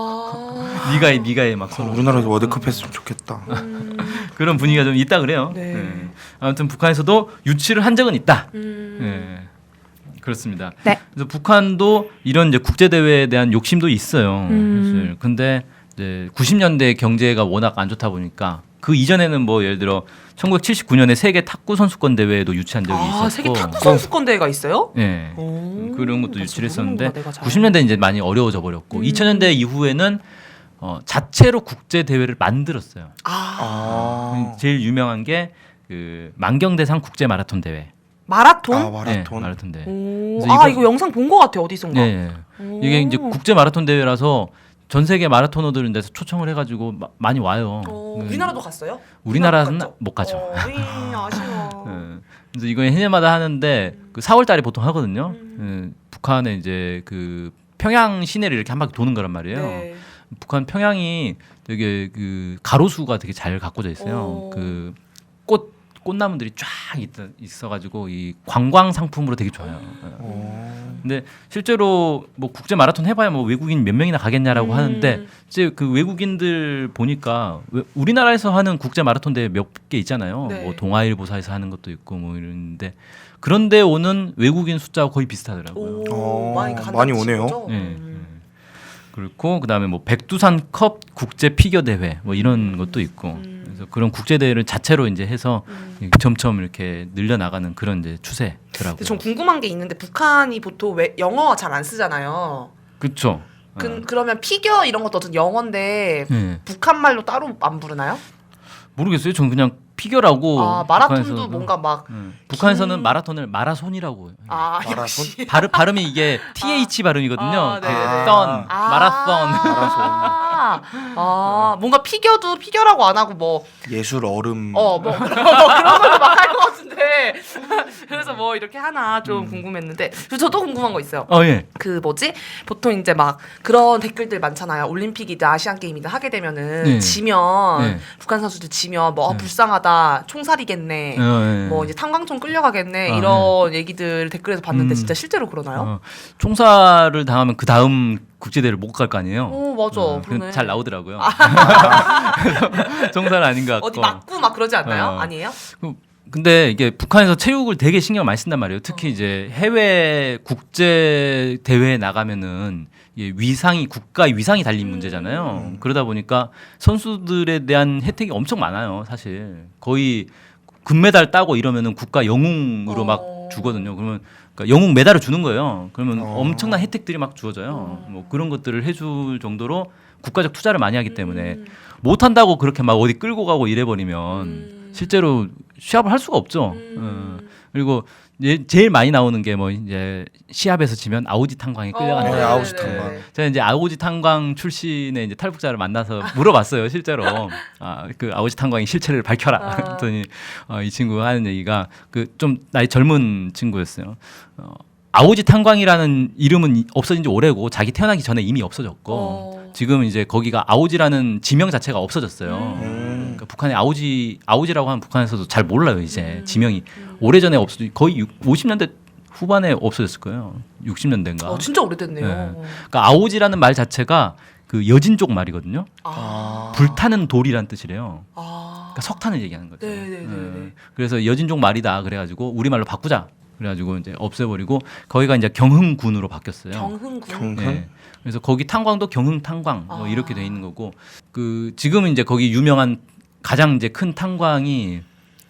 Speaker 3: 아.
Speaker 1: 네가 해, 네가 해 막
Speaker 2: 어,
Speaker 1: 서로.
Speaker 2: 우리나라에서 월드컵 했으면 좋겠다.
Speaker 3: 음.
Speaker 1: 그런 분위기가 좀 있다 그래요.
Speaker 3: 네.
Speaker 1: 네. 아무튼 북한에서도 유치를 한 적은 있다.
Speaker 3: 음.
Speaker 1: 네. 그렇습니다.
Speaker 3: 네.
Speaker 1: 그래서 북한도 이런 이제 국제 대회에 대한 욕심도 있어요.
Speaker 3: 음.
Speaker 1: 사실. 근데 이제 구십 년대 경제가 워낙 안 좋다 보니까 그 이전에는 뭐 예를 들어 천구백칠십구 년에 세계 탁구 선수권 대회에도 유치한 적이 있었고.
Speaker 3: 아 세계 탁구 선수권 대회가 있어요?
Speaker 1: 네.
Speaker 3: 오.
Speaker 1: 그런 것도
Speaker 3: 나
Speaker 1: 유치를
Speaker 3: 진짜
Speaker 1: 했었는데
Speaker 3: 모르는구나, 내가 잘.
Speaker 1: 구십 년대 이제 많이 어려워져 버렸고
Speaker 3: 음.
Speaker 1: 이천 년대 이후에는 어, 자체로 국제 대회를 만들었어요.
Speaker 3: 아
Speaker 2: 아.
Speaker 1: 제일 유명한 게 그 만경대상 국제 마라톤 대회.
Speaker 3: 마라톤?
Speaker 2: 아
Speaker 1: 네,
Speaker 2: 마라톤.
Speaker 1: 마라톤 대회.
Speaker 3: 오.
Speaker 1: 그래서
Speaker 3: 아
Speaker 1: 이거-
Speaker 3: 이거 영상 본 것 같아 어디선가.
Speaker 1: 네.
Speaker 3: 오.
Speaker 1: 이게 이제 국제 마라톤 대회라서 전 세계 마라토너들은 데서 초청을 해가지고 마, 많이 와요.
Speaker 3: 어,
Speaker 1: 네.
Speaker 3: 우리나라도 갔어요?
Speaker 1: 우리나라는
Speaker 3: 갔죠?
Speaker 1: 못 가죠.
Speaker 3: 어, 에이, 아쉬워.
Speaker 1: 네. 그래서 이거 해년마다 하는데
Speaker 3: 음.
Speaker 1: 그 사월달에 보통 하거든요.
Speaker 3: 음.
Speaker 1: 네. 북한에 이제 그 평양 시내를 이렇게 한 바퀴 도는 거란 말이에요.
Speaker 3: 네.
Speaker 1: 북한 평양이 되게 그 가로수가 되게 잘 가꿔져 있어요.
Speaker 3: 오.
Speaker 1: 그 꽃 꽃나무들이 쫙 있, 있어가지고 이 관광 상품으로 되게 좋아요.
Speaker 2: 어.
Speaker 1: 근데 실제로 뭐 국제 마라톤 해봐야 뭐 외국인 몇 명이나 가겠냐라고
Speaker 3: 음.
Speaker 1: 하는데 이제 그 외국인들 보니까 왜- 우리나라에서 하는 국제 마라톤 대회 몇 개 있잖아요.
Speaker 3: 네.
Speaker 1: 뭐 동아일보사에서 하는 것도 있고 뭐 이런데 그런데 오는 외국인 숫자가 거의 비슷하더라고요.
Speaker 3: 오,
Speaker 2: 어,
Speaker 3: 많이 간다는
Speaker 2: 많이 오네요.
Speaker 3: 뜻이죠?
Speaker 1: 네.
Speaker 3: 음.
Speaker 1: 네. 그렇고 그다음에 뭐 백두산컵 국제 피겨 대회 뭐 이런 것도 있고
Speaker 3: 음.
Speaker 1: 그래서 그런 국제 대회를 자체로 이제 해서
Speaker 3: 음.
Speaker 1: 점점 이렇게 늘려 나가는 그런 이제 추세더라고요.
Speaker 3: 근데 전 궁금한 게 있는데 북한이 보통 왜 영어 잘 안 쓰잖아요.
Speaker 1: 그렇죠.
Speaker 3: 그, 그러면 피겨 이런 것도 어떤 영어인데
Speaker 1: 네.
Speaker 3: 북한 말로 따로 안 부르나요?
Speaker 1: 모르겠어요. 저는 그냥 피겨라고.
Speaker 3: 아 마라톤도
Speaker 1: 북한에서도-
Speaker 3: 뭔가 막
Speaker 1: 네. 북한에서는
Speaker 3: 긴-
Speaker 1: 마라톤을 마라손이라고 해요.
Speaker 3: 아,
Speaker 2: 마라톤?
Speaker 3: 역시.
Speaker 1: 발음, 발음이 이게 티에이치 발음이거든요.
Speaker 3: 아,
Speaker 1: 그
Speaker 3: 네네네.
Speaker 1: 선,
Speaker 3: 아.
Speaker 1: 마라손.
Speaker 3: 아, 아, 뭔가 피겨도 피겨라고 안 하고 뭐
Speaker 2: 예술 얼음.
Speaker 3: 어, 뭐 그런 걸로 막 할 것 같은데 그래서 뭐 이렇게 하나 좀
Speaker 1: 음.
Speaker 3: 궁금했는데 그리고 저도 궁금한 거 있어요.
Speaker 1: 어 예.
Speaker 3: 그 뭐지? 보통 이제 막 그런 댓글들 많잖아요. 올림픽이든 아시안 게임이든 하게 되면은
Speaker 1: 네.
Speaker 3: 지면
Speaker 1: 네.
Speaker 3: 북한 선수들 지면 뭐 어,
Speaker 1: 네.
Speaker 3: 불쌍하다, 총살이겠네.
Speaker 1: 어, 예.
Speaker 3: 뭐 이제 탄광촌 끌려가겠네
Speaker 1: 아,
Speaker 3: 이런 얘기들 댓글에서 봤는데
Speaker 1: 음.
Speaker 3: 진짜 실제로 그러나요?
Speaker 1: 어, 총살을 당하면 그 다음 국제대회를 못 갈 거 아니에요.
Speaker 3: 오 맞아,
Speaker 1: 어,
Speaker 3: 그러네.
Speaker 1: 그건 잘 나오더라고요. 총살 아닌 것 같고.
Speaker 3: 어디 맞고 막 그러지 않나요?
Speaker 1: 어.
Speaker 3: 아니에요?
Speaker 1: 근데 이게 북한에서 체육을 되게 신경 많이 쓴단 말이에요. 특히
Speaker 3: 어.
Speaker 1: 이제 해외 국제 대회에 나가면은 이게 위상이 국가의 위상이 달린
Speaker 3: 음.
Speaker 1: 문제잖아요.
Speaker 2: 음.
Speaker 1: 그러다 보니까 선수들에 대한 혜택이 엄청 많아요. 사실 거의 금메달 따고 이러면은 국가 영웅으로
Speaker 3: 어.
Speaker 1: 막 주거든요. 그러면 그러니까 영웅 메달을 주는 거예요. 그러면
Speaker 2: 어.
Speaker 1: 엄청난 혜택들이 막 주어져요. 뭐 그런 것들을 해줄 정도로 국가적 투자를 많이 하기 때문에
Speaker 3: 음.
Speaker 1: 못 한다고 그렇게 막 어디 끌고 가고 이래버리면
Speaker 3: 음.
Speaker 1: 실제로 시합을 할 수가 없죠.
Speaker 3: 음.
Speaker 1: 어. 그리고 예, 제일 많이 나오는 게 뭐 이제 시합에서 지면 아오지 탄광에 끌려가는
Speaker 3: 어,
Speaker 2: 네,
Speaker 1: 거예요.
Speaker 2: 아오지
Speaker 3: 네네네.
Speaker 2: 탄광.
Speaker 1: 제가 이제 아오지 탄광 출신의 이제 탈북자를 만나서 물어봤어요, 실제로. 아, 그 아오지 탄광의 실체를 밝혀라.
Speaker 3: 아.
Speaker 1: 그랬더니 어, 이 친구가 하는 얘기가 그 좀 나이 젊은 친구였어요. 어, 아오지 탄광이라는 이름은 이- 없어진 지 오래고 자기 태어나기 전에 이미 없어졌고
Speaker 3: 어.
Speaker 1: 지금 이제 거기가 아오지라는 지명 자체가 없어졌어요.
Speaker 2: 음.
Speaker 1: 그러니까 북한에 아오지 아오지라고 하면 북한에서도 잘 몰라요 이제
Speaker 3: 음.
Speaker 1: 지명이
Speaker 3: 음.
Speaker 1: 오래전에 없어 거의 오십 년대 후반에 없어졌을 거예요. 육십 년대인가.
Speaker 3: 어, 진짜 오래됐네요.
Speaker 1: 네. 그러니까 아오지라는 말 자체가 그 여진족 말이거든요.
Speaker 3: 아.
Speaker 1: 불타는 돌이란 뜻이래요.
Speaker 3: 아.
Speaker 1: 그러니까 석탄을 얘기하는 거죠.
Speaker 3: 네네네네.
Speaker 1: 네. 그래서 여진족 말이다 그래가지고 우리 말로 바꾸자. 그래가지고 이제 없애버리고 거기가 이제 경흥군으로 바뀌었어요.
Speaker 3: 경흥군.
Speaker 2: 경-
Speaker 1: 네. 그래서 거기 탄광도 경흥 탄광 뭐
Speaker 3: 아.
Speaker 1: 이렇게 돼 있는 거고 그 지금은 이제 거기 유명한 가장 이제 큰 탄광이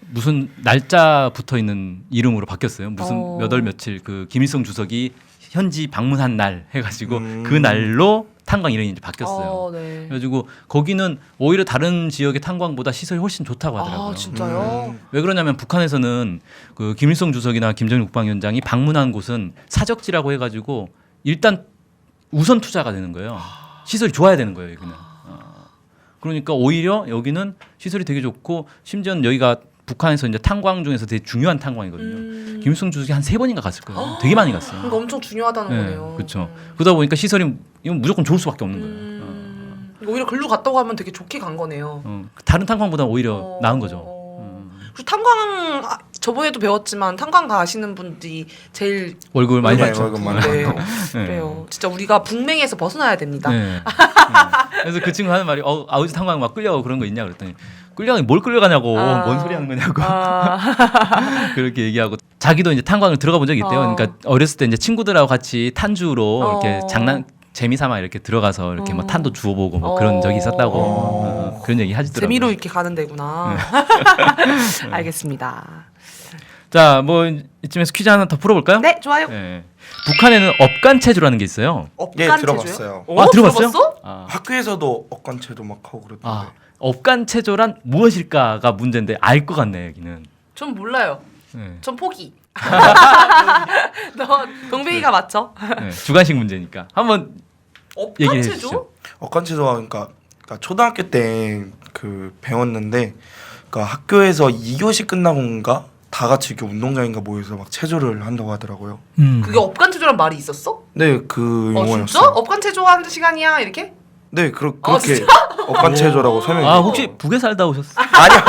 Speaker 1: 무슨 날짜 붙어 있는 이름으로 바뀌었어요. 무슨
Speaker 3: 어.
Speaker 1: 몇 월 며칠 그 김일성 주석이 현지 방문한 날 해가지고
Speaker 2: 음.
Speaker 1: 그 날로 탄광 이름이 이제 바뀌었어요.
Speaker 3: 어, 네.
Speaker 1: 그래가지고 거기는 오히려 다른 지역의 탄광보다 시설이 훨씬 좋다고 하더라고요.
Speaker 3: 아 진짜요?
Speaker 2: 음.
Speaker 1: 왜 그러냐면 북한에서는 그 김일성 주석이나 김정일 국방위원장이 방문한 곳은 사적지라고 해가지고 일단 우선 투자가 되는 거예요. 시설이 좋아야 되는 거예요, 여기는. 어. 그러니까 오히려 여기는 시설이 되게 좋고 심지어는 여기가 북한에서 이제 탄광 중에서 되게 중요한 탄광이거든요.
Speaker 3: 음.
Speaker 1: 김일성 주석이 한 세 번인가 갔을 거예요. 되게 많이 갔어요.
Speaker 3: 그러니까 엄청 중요하다는
Speaker 1: 네,
Speaker 3: 거네요.
Speaker 1: 그렇죠. 그러다 보니까 시설이 이건 무조건 좋을 수밖에 없는 거예요.
Speaker 3: 음. 오히려 글로 갔다고 하면 되게 좋게 간 거네요.
Speaker 1: 어, 다른 탄광보다 오히려
Speaker 3: 어.
Speaker 1: 나은 거죠. 음.
Speaker 3: 그리고 탄광 아, 저번에도 배웠지만 탄광 가시는 분들이 제일
Speaker 1: 월급을 많이
Speaker 2: 네,
Speaker 1: 받죠.
Speaker 2: 월급 많이
Speaker 3: 네.
Speaker 2: 받고.
Speaker 1: 네.
Speaker 3: 그래요. 진짜 우리가 북맹에서 벗어나야 됩니다.
Speaker 1: 네. 네. 그래서 그 친구 하는 말이 어, 아우지 탄광 막 끌려가고 그런 거 있냐 그랬더니 끌려가니 뭘 끌려가냐고
Speaker 3: 아.
Speaker 1: 뭔 소리 하는 거냐고
Speaker 3: 아.
Speaker 1: 그렇게 얘기하고 자기도 이제 탄광을 들어가 본 적이 있대요.
Speaker 3: 어.
Speaker 1: 그러니까 어렸을 때 이제 친구들하고 같이 탄주로
Speaker 3: 어.
Speaker 1: 이렇게 장난 재미삼아 이렇게 들어가서 이렇게 뭐
Speaker 3: 어.
Speaker 1: 탄도 주워보고 뭐
Speaker 3: 어.
Speaker 1: 그런 적이 있었다고
Speaker 2: 어.
Speaker 1: 어, 그런 얘기 하시더라고요.
Speaker 3: 재미로 이렇게 가는 데구나.
Speaker 1: 네.
Speaker 3: 알겠습니다.
Speaker 1: 자, 뭐 이쯤에서 퀴즈 하나 더 풀어볼까요?
Speaker 3: 네, 좋아요.
Speaker 1: 네. 북한에는 업간체조라는 게 있어요.
Speaker 2: 예,
Speaker 3: 업간체조요?
Speaker 2: 들어봤어요.
Speaker 3: 어,
Speaker 1: 아, 들어봤어요?
Speaker 3: 들어봤어?
Speaker 1: 아,
Speaker 2: 학교에서도 억간체도 막 하고 그랬던데.
Speaker 1: 아 업간체조란 무엇일까가 문제인데 알 것 같네 여기는.
Speaker 3: 전 몰라요.
Speaker 1: 네.
Speaker 3: 전 포기. 너 동백이가 맞죠?
Speaker 1: 네, 주관식 문제니까 한번 얘기해
Speaker 3: 업간체조?
Speaker 1: 주시죠.
Speaker 2: 억간체조가 그러니까, 그러니까 초등학교 때 그 배웠는데 그러니까 학교에서 이 교시 끝나고인가 다 같이 이렇게 운동장인가 모여서 막 체조를 한다고 하더라고요.
Speaker 1: 음.
Speaker 3: 그게 업간체조란 말이 있었어?
Speaker 2: 네, 그
Speaker 3: 어
Speaker 2: 용어였어요.
Speaker 3: 진짜? 업간체조하는 시간이야 이렇게?
Speaker 2: 네, 그러,
Speaker 3: 아,
Speaker 2: 그렇게 억간체조라고 설명해.
Speaker 1: 아 혹시 북에 살다 오셨어?
Speaker 2: 아니요.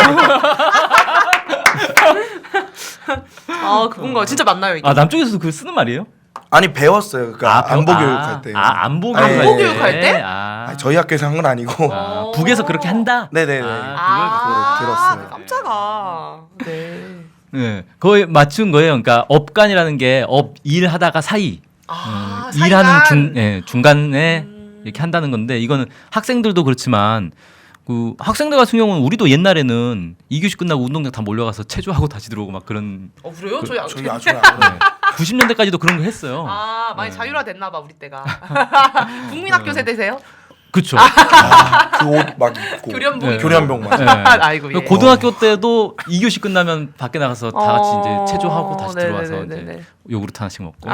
Speaker 3: 아 그건가 진짜 맞나요 이게?
Speaker 1: 아 남쪽에서도 그 쓰는 말이에요?
Speaker 2: 아니 배웠어요. 그러니까
Speaker 1: 배워-
Speaker 2: 안보
Speaker 1: 아,
Speaker 2: 교육할 때.
Speaker 1: 아 안보
Speaker 2: 네.
Speaker 1: 교육할
Speaker 3: 안보
Speaker 1: 때.
Speaker 3: 교육할 때?
Speaker 1: 아,
Speaker 2: 아니, 저희 학교에서 한 건 아니고.
Speaker 1: 아,
Speaker 3: 오.
Speaker 1: 북에서 그렇게 한다.
Speaker 2: 네네네.
Speaker 1: 아,
Speaker 2: 그걸 들었어요.
Speaker 3: 깜짝아. 네.
Speaker 1: 네, 거의 맞춘 거예요. 그러니까 업간이라는 게 업 일하다가 사이,
Speaker 3: 아,
Speaker 1: 음, 일하는
Speaker 3: 사이간.
Speaker 1: 중 예, 중간에
Speaker 3: 음.
Speaker 1: 이렇게 한다는 건데 이거는 학생들도 그렇지만 그 학생들 같은 경우는 우리도 옛날에는 이 교시 끝나고 운동장 다 몰려가서 체조하고 다시 들어오고 막 그런
Speaker 3: 어 그래요? 저희 안
Speaker 2: 저희 아주 안 해요.
Speaker 1: 구십 년대까지도 그런 거 했어요.
Speaker 3: 아 많이
Speaker 1: 네.
Speaker 3: 자율화됐나 봐 우리 때가. 국민학교 세대세요?
Speaker 1: 그렇죠.
Speaker 2: 아, 그 옷 막 입고
Speaker 3: 교련복
Speaker 1: 네.
Speaker 3: 입고.
Speaker 2: 교련복 맞아.
Speaker 1: 네.
Speaker 3: 아이고 예.
Speaker 1: 고등학교 때도 이 교시 끝나면 밖에 나가서 다 같이
Speaker 3: 어,
Speaker 1: 이제 체조하고 다시 들어와서
Speaker 3: 네네네네.
Speaker 1: 이제 요구르트 하나씩 먹고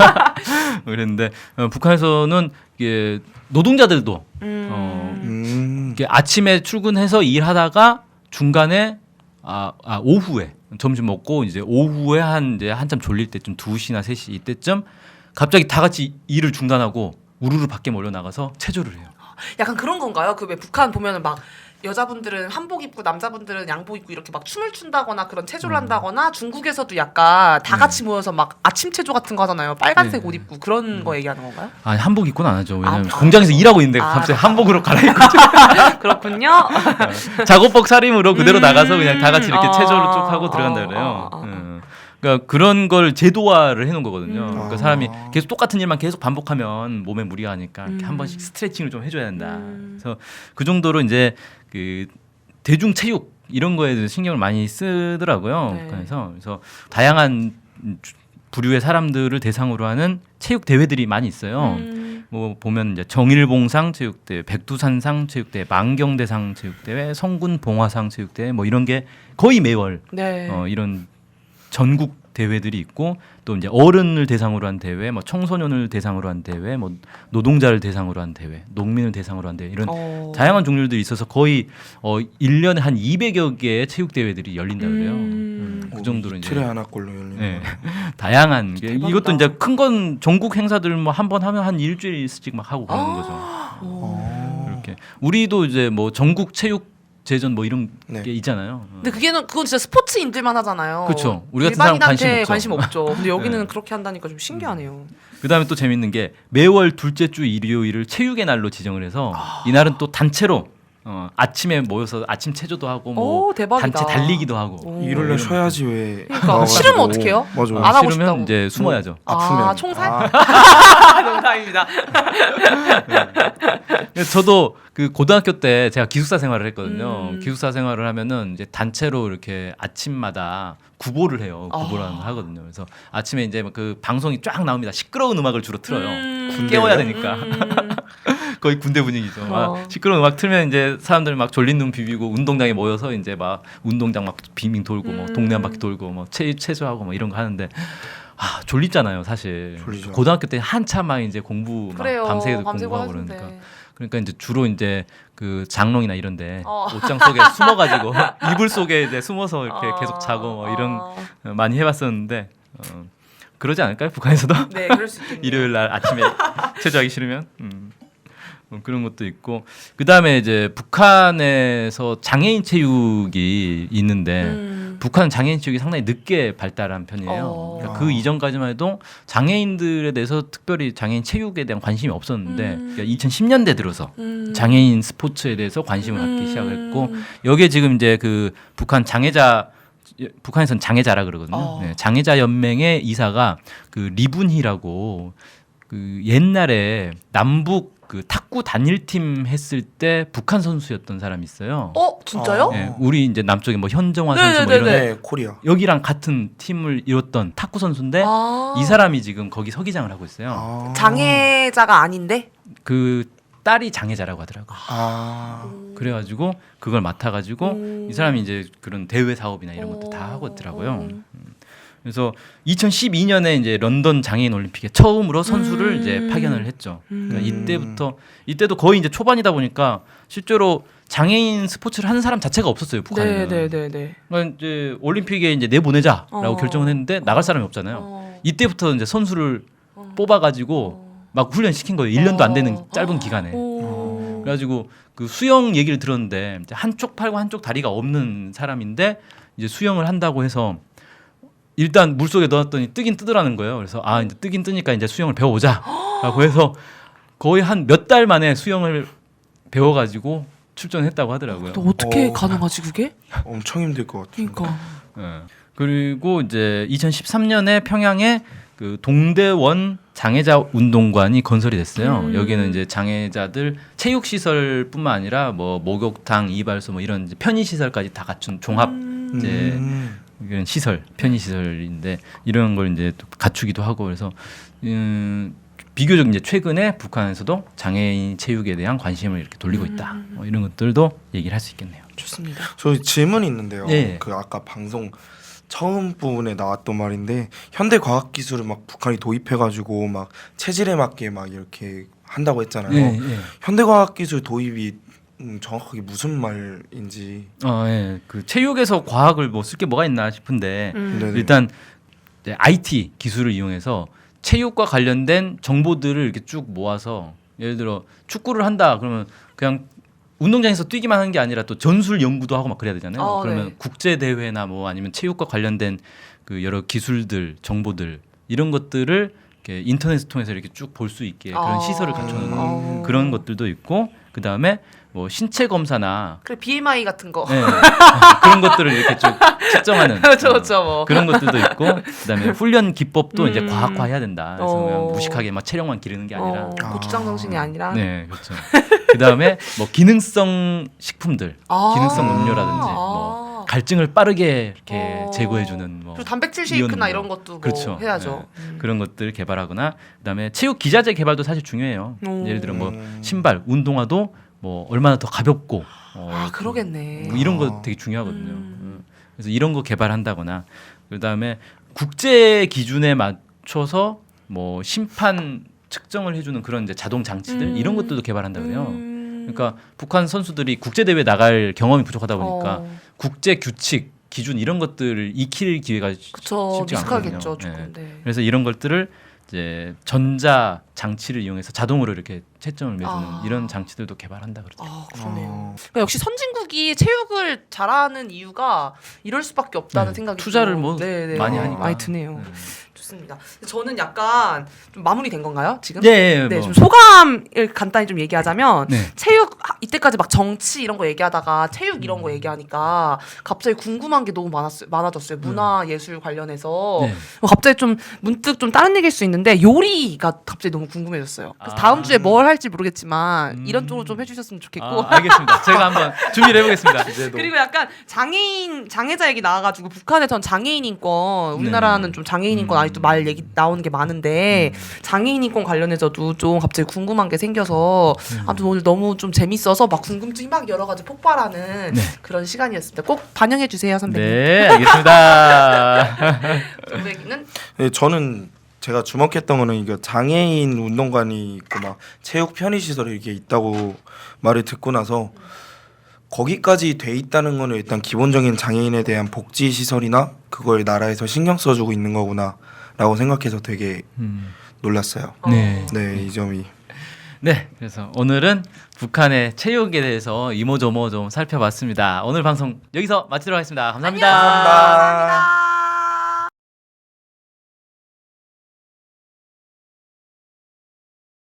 Speaker 1: 그랬는데 어, 북한에서는 이게 노동자들도
Speaker 3: 음.
Speaker 1: 어,
Speaker 2: 음.
Speaker 1: 이렇게 아침에 출근해서 일하다가 중간에 아, 아 오후에 점심 먹고 이제 오후에 한 이제 한참 졸릴 때쯤 두 시나 세 시 이때쯤 갑자기 다 같이 일을 중단하고 우르르 밖에 몰려 나가서 체조를 해요.
Speaker 3: 약간 그런 건가요? 그 왜 북한 보면은 막 여자분들은 한복 입고 남자분들은 양복 입고 이렇게 막 춤을 춘다거나 그런 체조를 한다거나 중국에서도 약간 다 같이 모여서 막 아침 체조 같은 거 하잖아요. 빨간색
Speaker 1: 네.
Speaker 3: 옷 입고 그런 거 얘기하는 건가요?
Speaker 1: 아니 한복 입고는 안 하죠. 왜냐면
Speaker 3: 아,
Speaker 1: 공장에서 일하고 있는데
Speaker 3: 아,
Speaker 1: 갑자기
Speaker 3: 아.
Speaker 1: 한복으로 갈아입고
Speaker 3: 그렇군요.
Speaker 1: 작업복 차림으로 그대로
Speaker 3: 음.
Speaker 1: 나가서 그냥 다 같이 이렇게
Speaker 3: 어,
Speaker 1: 체조를 쭉 하고
Speaker 3: 어,
Speaker 1: 들어간다
Speaker 3: 어,
Speaker 1: 그래요.
Speaker 3: 어, 어.
Speaker 1: 음. 그러니까 그런 걸 제도화를 해놓은 거거든요.
Speaker 3: 음.
Speaker 1: 그러니까
Speaker 2: 아.
Speaker 1: 사람이 계속 똑같은 일만 계속 반복하면 몸에 무리가 가니까 이렇게
Speaker 3: 음.
Speaker 1: 한 번씩 스트레칭을 좀 해줘야 된다.
Speaker 3: 음.
Speaker 1: 그래서 그 정도로 이제 그 대중 체육 이런 거에 대해서 신경을 많이 쓰더라고요.
Speaker 3: 네.
Speaker 1: 그래서 그래서 다양한 주- 부류의 사람들을 대상으로 하는 체육 대회들이 많이 있어요.
Speaker 3: 음.
Speaker 1: 뭐 보면 이제 정일봉상 체육대회, 백두산상 체육대회, 만경대상 체육대회, 성군봉화상 체육대회 뭐 이런 게 거의 매월
Speaker 3: 네.
Speaker 1: 어, 이런 전국 대회들이 있고 또 이제 어른을 대상으로 한 대회, 뭐 청소년을 대상으로 한 대회, 뭐 노동자를 대상으로 한 대회, 농민을 대상으로 한 대회 이런
Speaker 3: 어.
Speaker 1: 다양한 종류들이 있어서 거의 어 일 년에 한 이백여 개의 체육 대회들이 열린다 그래요.
Speaker 3: 음.
Speaker 1: 음, 그 정도로 이제
Speaker 2: 틀에 하나꼴로 열리는.
Speaker 1: 네. 다양한 게
Speaker 3: 대박이다.
Speaker 1: 이것도 이제 큰 건 전국 행사들 뭐 한 번 하면 한 일주일씩 막 하고 그러는
Speaker 3: 아.
Speaker 1: 거죠.
Speaker 3: 어.
Speaker 1: 이렇게 우리도 이제 뭐 전국 체육 제전 뭐 이런
Speaker 2: 네.
Speaker 1: 게 있잖아요.
Speaker 3: 근데 그게는 그건 진짜 스포츠인들만 하잖아요.
Speaker 1: 그쵸. 우리 같은 사람
Speaker 3: 일반인한테
Speaker 1: 관심 없죠.
Speaker 3: 관심 없죠. 근데 여기는
Speaker 1: 네.
Speaker 3: 그렇게 한다니까 좀 신기하네요.
Speaker 1: 그다음에 또 재밌는 게 매월 둘째 주 일요일을 체육의 날로 지정을 해서
Speaker 3: 아.
Speaker 1: 이날은 또 단체로 어, 아침에 모여서 아침 체조도 하고 뭐
Speaker 3: 오, 대박이다.
Speaker 1: 단체 달리기도 하고
Speaker 3: 오.
Speaker 2: 일요일 날 쉬어야지 왜?
Speaker 3: 그러니까
Speaker 2: 나와가지고.
Speaker 3: 싫으면 어떡해요?
Speaker 2: 맞아.
Speaker 1: 어,
Speaker 3: 안 하고
Speaker 1: 싫으면
Speaker 3: 싶다고.
Speaker 1: 이제 숨어야죠.
Speaker 2: 아프면.
Speaker 3: 아, 총살?
Speaker 2: 아,
Speaker 3: 농담입니다.
Speaker 1: 그래서 저도 그 고등학교 때 제가 기숙사 생활을 했거든요.
Speaker 3: 음.
Speaker 1: 기숙사 생활을 하면은 이제 단체로 이렇게 아침마다 구보를 해요. 구보라는 걸 하거든요. 그래서 아침에 이제 그 방송이 쫙 나옵니다. 시끄러운 음악을 주로 틀어요.
Speaker 3: 음.
Speaker 1: 깨워야 되니까.
Speaker 3: 음.
Speaker 1: 거의 군대 분위기죠. 막
Speaker 3: 어.
Speaker 1: 시끄러운 음악 틀면 이제 사람들 막 졸린 눈 비비고 운동장에 모여서 이제 막 운동장 막 빙빙 돌고 뭐
Speaker 3: 음.
Speaker 1: 동네 한 바퀴 돌고 뭐 체, 체조하고 뭐 이런 거 하는데 아 졸리잖아요 사실.
Speaker 2: 졸리죠.
Speaker 1: 고등학교 때 한참 막 이제 공부 막
Speaker 3: 그래요.
Speaker 1: 밤새
Speaker 3: 밤새고
Speaker 1: 공부하고
Speaker 3: 하는데.
Speaker 1: 그러니까 그러니까 이제 주로 이제 그 장롱이나 이런데
Speaker 3: 어.
Speaker 1: 옷장 속에 숨어가지고 이불 속에 이제 숨어서 이렇게
Speaker 3: 어.
Speaker 1: 계속 자고 뭐 이런
Speaker 3: 어.
Speaker 1: 어, 많이 해봤었는데 어, 그러지 않을까요 북한에서도?
Speaker 3: 네, 그럴 수 있겠네요.
Speaker 1: 일요일 날 아침에 체조하기 싫으면 음. 뭐 그런 것도 있고 그 다음에 이제 북한에서 장애인 체육이 있는데
Speaker 3: 음.
Speaker 1: 북한 장애인 체육이 상당히 늦게 발달한 편이에요.
Speaker 3: 어.
Speaker 1: 그러니까 그 이전까지만 해도 장애인들에 대해서 특별히 장애인 체육에 대한 관심이 없었는데
Speaker 3: 음.
Speaker 1: 그러니까 이천십 년대 들어서
Speaker 3: 음.
Speaker 1: 장애인 스포츠에 대해서 관심을 갖기
Speaker 3: 음.
Speaker 1: 시작했고 여기에 지금 이제 그 북한 장애자 북한에서는 장애자라 그러거든요.
Speaker 3: 어.
Speaker 1: 네, 장애자 연맹의 이사가 그 리분희라고 그 옛날에 남북 그 탁구 단일팀 했을 때 북한 선수였던 사람이 있어요.
Speaker 3: 어, 진짜요?
Speaker 2: 어.
Speaker 1: 네, 우리 이제 남쪽에 뭐 현정화 선수 뭐
Speaker 3: 네네네네.
Speaker 1: 이런
Speaker 2: 네, 코리아.
Speaker 1: 여기랑 같은 팀을 이뤘던 탁구 선수인데
Speaker 3: 아.
Speaker 1: 이 사람이 지금 거기 서기장을 하고 있어요.
Speaker 2: 아.
Speaker 3: 장애자가 아닌데?
Speaker 1: 그 딸이 장애자라고 하더라고.
Speaker 2: 아.
Speaker 1: 그래가지고 그걸 맡아가지고
Speaker 3: 음.
Speaker 1: 이 사람이 이제 그런 대회 사업이나 이런 것도 다
Speaker 3: 어.
Speaker 1: 하고 있더라고요. 그래서 이천십이 년에 이제 런던 장애인 올림픽에 처음으로 선수를
Speaker 3: 음.
Speaker 1: 이제 파견을 했죠. 그러니까
Speaker 2: 음.
Speaker 1: 이때부터 이때도 거의 이제 초반이다 보니까 실제로 장애인 스포츠를 하는 사람 자체가 없었어요, 북한에는.
Speaker 3: 네네네네.
Speaker 1: 그러니까 이제 올림픽에 이제 내보내자라고
Speaker 3: 어.
Speaker 1: 결정을 했는데 나갈 사람이 없잖아요.
Speaker 3: 어.
Speaker 1: 이때부터 이제 선수를
Speaker 3: 어.
Speaker 1: 뽑아가지고
Speaker 3: 어.
Speaker 1: 막 훈련 시킨 거예요. 일 년도 안 되는
Speaker 3: 어.
Speaker 1: 짧은 기간에.
Speaker 3: 오.
Speaker 1: 그래가지고 그 수영 얘기를 들었는데 이제 한쪽 팔과 한쪽 다리가 없는 사람인데 이제 수영을 한다고 해서 일단 물 속에 넣었더니 뜨긴 뜨더라는 거예요. 그래서 아 이제 뜨긴 뜨니까 이제 수영을 배워보자라고 해서 거의 한 몇 달 만에 수영을 배워가지고 출전했다고 하더라고요.
Speaker 3: 또 어떻게
Speaker 2: 어.
Speaker 3: 가능하지 그게?
Speaker 2: 엄청 힘들 것 같아요.
Speaker 3: 그러니까.
Speaker 1: 예. 그리고 이제 이천십삼 년에 평양에 그 동대원 장애자 운동관이 건설이 됐어요.
Speaker 3: 음.
Speaker 1: 여기는 이제 장애자들 체육 시설뿐만 아니라 뭐 목욕탕, 이발소 뭐 이런 이제 편의 시설까지 다 갖춘 종합
Speaker 3: 음.
Speaker 1: 이제
Speaker 2: 음.
Speaker 1: 이런 시설, 편의 시설인데 이런 걸 이제 또 갖추기도 하고 그래서 음, 비교적 이제 최근에 북한에서도 장애인 체육에 대한 관심을 이렇게 돌리고 있다.
Speaker 3: 음.
Speaker 1: 뭐 이런 것들도 얘기를 할 수 있겠네요.
Speaker 3: 좋습니다.
Speaker 2: 저 질문이 있는데요.
Speaker 1: 예.
Speaker 2: 그 아까 방송 처음 부분에 나왔던 말인데 현대 과학 기술을 막 북한이 도입해가지고 막 체질에 맞게 막 이렇게 한다고 했잖아요.
Speaker 1: 예, 예.
Speaker 2: 현대 과학 기술 도입이 음, 정확하게 무슨 말인지.
Speaker 1: 어, 예. 그 체육에서 과학을 뭐 쓸 게 뭐가 있나 싶은데
Speaker 3: 음.
Speaker 2: 네네.
Speaker 1: 일단 이제 아이티 기술을 이용해서 체육과 관련된 정보들을 이렇게 쭉 모아서 예를 들어 축구를 한다 그러면 그냥 운동장에서 뛰기만 하는 게 아니라 또 전술 연구도 하고 막 그래야 되잖아요.
Speaker 3: 어,
Speaker 1: 그러면
Speaker 3: 네.
Speaker 1: 국제 대회나 뭐 아니면 체육과 관련된 그 여러 기술들, 정보들 이런 것들을 이렇게 인터넷을 통해서 이렇게 쭉 볼 수 있게 그런
Speaker 3: 어.
Speaker 1: 시설을 갖춰놓은
Speaker 3: 어.
Speaker 1: 그런 것들도 있고 그 다음에 뭐 신체 검사나
Speaker 3: 그래 비엠아이 같은 거.
Speaker 1: 네. 그런 것들을 이렇게 쭉 측정하는
Speaker 3: 그렇죠,
Speaker 1: 어,
Speaker 3: 그렇죠, 뭐.
Speaker 1: 그런 것들도 있고 그다음에 훈련 기법도 이제
Speaker 3: 음.
Speaker 1: 과학화해야 된다. 그래서
Speaker 3: 어.
Speaker 1: 그냥 무식하게 막 체력만 기르는 게 아니라
Speaker 3: 어, 고추장 정신이 아니라.
Speaker 1: 네 그렇죠. 그다음에 뭐 기능성 식품들,
Speaker 3: 아.
Speaker 1: 기능성 음료라든지 뭐 갈증을 빠르게 이렇게
Speaker 3: 어.
Speaker 1: 제거해주는 뭐
Speaker 3: 그리고 단백질 쉐이크나
Speaker 1: 이온
Speaker 3: 이런 것도 뭐
Speaker 1: 그렇죠.
Speaker 3: 해야죠. 음.
Speaker 1: 그런 것들을 개발하거나 그다음에 체육 기자재 개발도 사실 중요해요.
Speaker 3: 오.
Speaker 1: 예를 들어 뭐
Speaker 2: 음.
Speaker 1: 신발, 운동화도 뭐 얼마나 더 가볍고 어,
Speaker 3: 아 그러겠네.
Speaker 1: 뭐 이런 거
Speaker 2: 아.
Speaker 1: 되게 중요하거든요.
Speaker 3: 음.
Speaker 1: 음. 그래서 이런 거 개발한다거나 그다음에 국제 기준에 맞춰서 뭐 심판 측정을 해주는 그런 이제 자동 장치들
Speaker 3: 음.
Speaker 1: 이런 것들도 개발한다 그래요.
Speaker 3: 음.
Speaker 1: 그러니까 북한 선수들이 국제 대회 나갈 경험이 부족하다 보니까
Speaker 3: 어.
Speaker 1: 국제 규칙 기준 이런 것들을 익힐 기회가 쉽-
Speaker 3: 그쵸
Speaker 1: 쉽지
Speaker 3: 미숙하겠죠
Speaker 1: 않거든요.
Speaker 3: 조금. 네.
Speaker 1: 그래서 이런 것들을 이제 전자 장치를 이용해서 자동으로 이렇게 채점을 매주는
Speaker 3: 아.
Speaker 1: 이런 장치들도 개발한다 그러죠.
Speaker 3: 아 그러네요.
Speaker 2: 어.
Speaker 3: 그러니까 역시 선진국이 체육을 잘하는 이유가 이럴 수밖에 없다는
Speaker 1: 네.
Speaker 3: 생각이
Speaker 1: 투자를
Speaker 3: 좀-
Speaker 1: 뭐
Speaker 3: 네, 네.
Speaker 1: 많이
Speaker 3: 어,
Speaker 1: 하니까.
Speaker 3: 많이 드네요.
Speaker 1: 네.
Speaker 3: 좋습니다. 저는 약간 좀 마무리된 건가요 지금?
Speaker 1: 네,
Speaker 3: 네,
Speaker 1: 뭐.
Speaker 3: 좀 소감을 간단히 좀 얘기하자면
Speaker 1: 네.
Speaker 3: 체육 아, 이때까지 막 정치 이런 거 얘기하다가 체육 이런
Speaker 1: 음.
Speaker 3: 거 얘기하니까 갑자기 궁금한 게 너무 많았어요. 많아졌어요. 문화 예술 관련해서
Speaker 1: 네.
Speaker 3: 어, 갑자기 좀 문득 좀 다른 얘기일 수 있는데 요리가 갑자기 너무 궁금해졌어요. 그래서
Speaker 1: 아.
Speaker 3: 다음 주에 뭘 할지 모르겠지만
Speaker 1: 음.
Speaker 3: 이런 쪽으로 좀 해주셨으면 좋겠고.
Speaker 1: 아, 알겠습니다. 제가 한번 준비를 해보겠습니다.
Speaker 2: 이제도
Speaker 3: 그리고 약간 장애인 장애자 얘기 나와가지고 북한에선 장애인 인권 우리나라는
Speaker 1: 네.
Speaker 3: 좀 장애인 인권
Speaker 1: 음.
Speaker 3: 아직도 말 얘기 나오는 게 많은데 장애인 인권 관련해서도 좀 갑자기 궁금한 게 생겨서
Speaker 1: 음.
Speaker 3: 아무튼 오늘 너무 좀 재밌어서 막 궁금증이 막 여러 가지 폭발하는
Speaker 1: 네.
Speaker 3: 그런 시간이었습니다. 꼭 반영해 주세요 선배님.
Speaker 1: 네, 알겠습니다.
Speaker 3: 선배님은
Speaker 2: 네, 저는 제가 주목했던 거는 이게 장애인 운동관이 있고 막 체육 편의 시설이 이렇게 있다고 말을 듣고 나서 거기까지 돼 있다는 거는 일단 기본적인 장애인에 대한 복지 시설이나 그걸 나라에서 신경 써주고 있는 거구나라고 생각해서 되게
Speaker 1: 음.
Speaker 2: 놀랐어요.
Speaker 1: 네.
Speaker 2: 네, 이 점이.
Speaker 1: 네, 그래서 오늘은 북한의 체육에 대해서 이모저모 좀 살펴봤습니다. 오늘 방송 여기서 마치도록 하겠습니다 감사합니다.
Speaker 2: 감사합니다.
Speaker 3: 감사합니다.